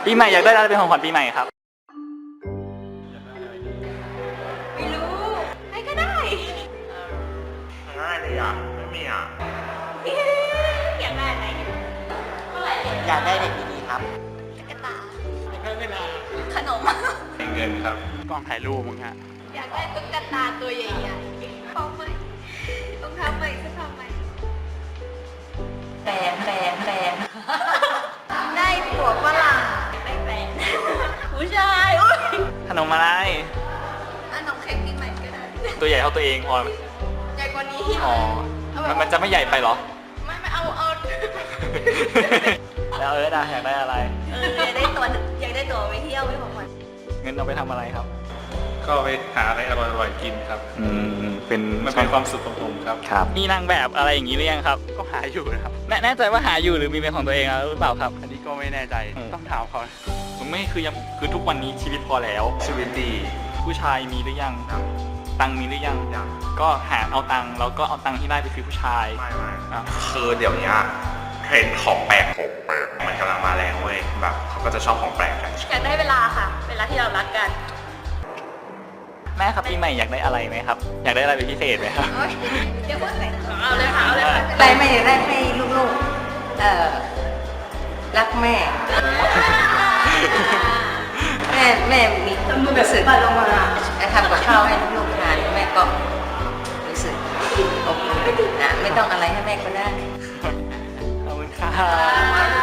ปีใหม่อยากได้อะไรเป็นของขวัญปีใหม่ครับไม่รู้ให้ก็ได้ง่ายเลยอ่ะไม่มีอ่ะอยากได้อะไรเท่าไหร่เลยอยากได้เด็กดีๆครับตุ๊กตาอยากได้เวลาขนมเงินครับกล้องถ่ายรูปมึงฮะอยากได้ตุ๊กตาตัวใหญ่ๆของใหม่รองเท้าใหม่เสื้อผ้าใหม่แฟนได้ผัวฝรั่งได้แฟนผู้ชายอุ้ยขนมอะไรขนมเค้กปีใหม่ก็ได้ตัวใหญ่เท่าตัวเองพอไหมใหญ่กว่านี้อ๋อมันจะไม่ใหญ่ไปเหรอไม่เอาแล้วอยากได้อะไรอยากได้ตัวไปเที่ยวไม่ของขวัญเงินเอาไปทำอะไรครับก็ไปหาอะไรอร่อยๆกินครับเป็นมันเป็นความสุขของผมครับครับมีนางแบบอะไรอย่างนี้หรือยังครับก็หาอยู่นะครับแน่ใจว่าหาอยู่หรือมีเป็นของตัวเองแล้วหรือเปล่าครับอันนี้ก็ไม่แน่ใจ ต้องถามเขาผมไม่คือทุกวันนี้ชีวิตพอแล้วชีวิตดีผู้ชายมีหรือยัง ตังค์มีหรือยังยังก็หาเอาตังค์แล้วก็เอาตังค์ที่ได้ไปซื้อผู้ชายไม่อ่ะคือเดี๋ยวนี้เทรนด์ของแปลกมันกำลังมาแรงเว้ยแบบเขาก็จะชอบของแปลกกันอยากได้เวลาค่ะ เวลาที่เรารักกันแม่ครับปีใหม่อยากได้อะไรไหมครับ อยากได้อะไรเป็นพิเศษไหมครับเดี๋ยวพูดใส่เอาเลยค่ะอะไรไม่ได้ให้ลูกๆรักแม่ แม่มีรู้สึกทำกับข้าวให้ลูกๆทานแม่ก็รู้สึกอบอุ่นนะไม่ต้องอะไรให้แม่ก็ได้ขอบคุณค่ะ